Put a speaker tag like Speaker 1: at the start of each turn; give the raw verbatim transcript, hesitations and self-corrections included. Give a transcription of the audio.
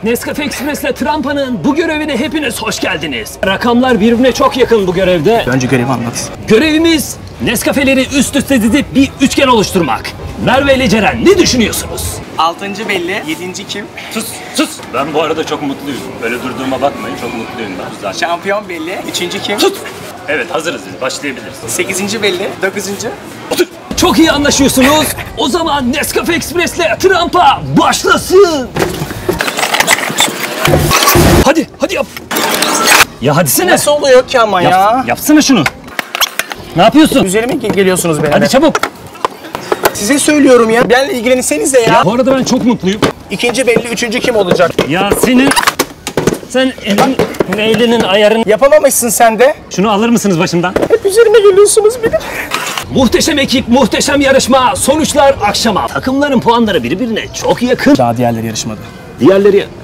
Speaker 1: Nescafe Express'le Trampa'nın bu görevine hepiniz hoş geldiniz. Rakamlar birbirine çok yakın bu görevde.
Speaker 2: Önce görevi anlat.
Speaker 1: Görevimiz Nescafe'leri üst üste dizip bir üçgen oluşturmak. Merve ile Ceren ne düşünüyorsunuz?
Speaker 2: Altıncı belli, yedinci kim?
Speaker 1: Sus sus. Ben bu arada çok mutluyum. Böyle durduğuma bakmayın, çok mutluyum ben zaten.
Speaker 2: Şampiyon belli, üçüncü kim?
Speaker 1: Sus. Evet, hazırız biz, başlayabiliriz.
Speaker 2: Sekizinci belli, dokuzuncu.
Speaker 1: Otur. Çok iyi anlaşıyorsunuz. O zaman Nescafe Express'le Trampa başlasın. Hadi, hadi yap. Ya hadisene.
Speaker 2: Nasıl oluyor ki ama
Speaker 1: Yap,
Speaker 2: ya?
Speaker 1: Yapsana şunu. Ne yapıyorsun?
Speaker 2: Üzerime ge- geliyorsunuz benim.
Speaker 1: Hadi çabuk.
Speaker 2: Size söylüyorum ya. Benimle ilgilenirseniz de ya.
Speaker 1: Ya bu arada ben çok mutluyum.
Speaker 2: İkinci belli, üçüncü kim olacak?
Speaker 1: Ya senin... Sen elin, elinin ayarını...
Speaker 2: Yapamamışsın sen de.
Speaker 1: Şunu alır mısınız başımdan?
Speaker 2: Hep üzerime geliyorsunuz benim.
Speaker 1: Muhteşem ekip, muhteşem yarışma. Sonuçlar akşama. Takımların puanları birbirine çok yakın.
Speaker 2: Daha diğerleri yarışmadı.
Speaker 1: Diğerleri...